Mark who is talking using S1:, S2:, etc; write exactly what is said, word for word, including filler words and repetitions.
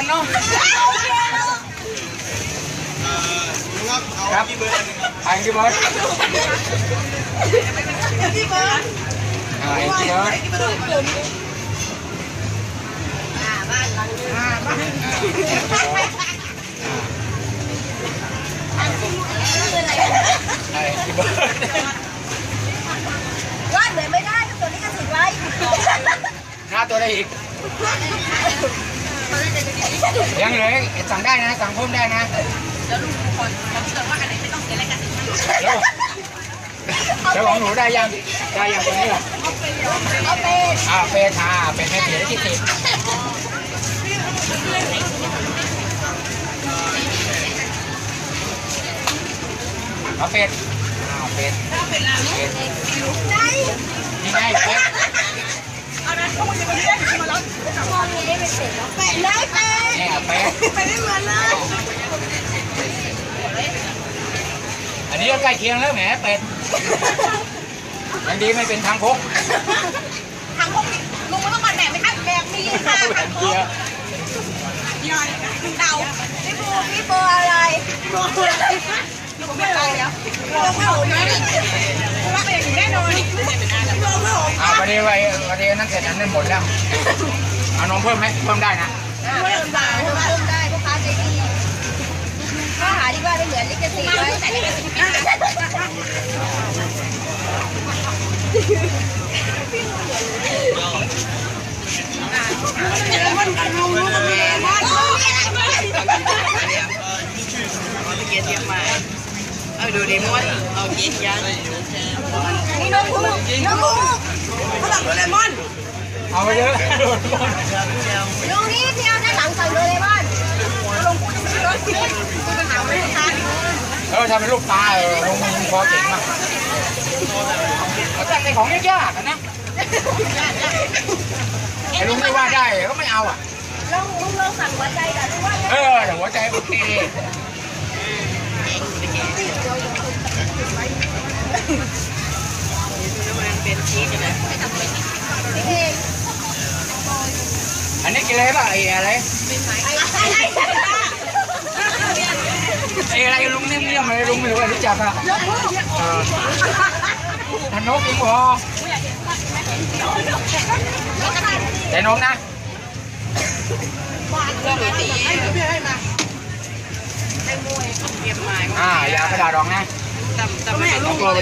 S1: กันเนาะครับไอ้ที่เบิร์ด
S2: ที่เบิร์ด
S1: ไอ้ที่เบิร์ด
S2: อ่าบ้านหลังนึงอ่าบ้าน
S1: ไอ้ที่เบิร์ด
S2: วาดเลยไม่ได้ตัวนี้ก็ติดไว้
S1: หน้าตัวได้อีกยังเหลือสั่งได้นะสั่งเพิ่มได้นะ
S2: แล้วลุงคนเขาเชื่อว่าอันไหนไม่ต้องเสียอะไรกัน
S1: แล้วแล้วของหนูได้ยังได้ยังตัวนี้เหรอ
S2: เอาเป็น
S1: อ่าเฟทาเป็นให้เสียได้ที่สิบเอาเป็ดเอาเป็ดเป็ดเป็ดนี่ไงเป็ด
S2: เอานั้นเขาจะมาเรียกมาแล้วมองนี้ได้เป็นเป็ดแล้วเป็ดเลยเป็ด
S1: นี่เป็ด
S2: ไปได้เหมือนเลย
S1: อันนี้ก็ใกล้เคียงแล้วแหมเป็ดยังดีไม่เป็นทางพก
S2: ทางพกลุงไม่ต้องมาแบบไหมคะแบบนี้ค่ะทางพกย่อยเดาพี่ปูพี่ปูอะไรปูลุงไม่เอาแล้วลุงไม่เอานะว่าเป็นอย่างนี้แน่นอนลุงไม่เอา
S1: อ่าวันนี้วันนี้นั่นเสร็จอันนั้นหมดแล้วเอานมเพิ่มไหมเพิ่มได้นะ
S2: เพิ่มได้เพิ่มได้ลูกค้าใจดีข้าหาดีกว่าไม่เหมือนลิขสิทธิ์ไว้แต่ลิขสิทธิ์ไม่ได้มันกันลุงลุงก็มีมันเกียรติยังมาเอาดูดิมันเอาเกียรติยังนี่น้องกูน้องกูเขาสั่งโดเรมอน
S1: เอาไปเยอะโดเรมอน
S2: ลุงนี่ที่เอาด้านหลังสั่งโดเรมอนลุงกูจะมีรถกูจะถามไม่ทัน
S1: เออทำเป็นลูกปลาเออลุงพอเก่งมากเขาจะในของยากๆนะไอ้ลุงไม่ว่าได้ก็ไม่เอาอ่ะ
S2: ลุงลุงลองสั่งหัวใจกันลุงว่า
S1: เออแต่หัวใจโอเค
S2: เป็นชีสนะนี่เอง
S1: อันนี้กินอะไรป่ะไอ้อะไร
S2: ไอ้อะไร
S1: ไอ้อะไรลุงเนี่ยเนี่ยอะไรลุงไม่รู้รู้จักอ่ะเออทนกอีกพอแต่นกนะอ่ายากระดาษรองนะ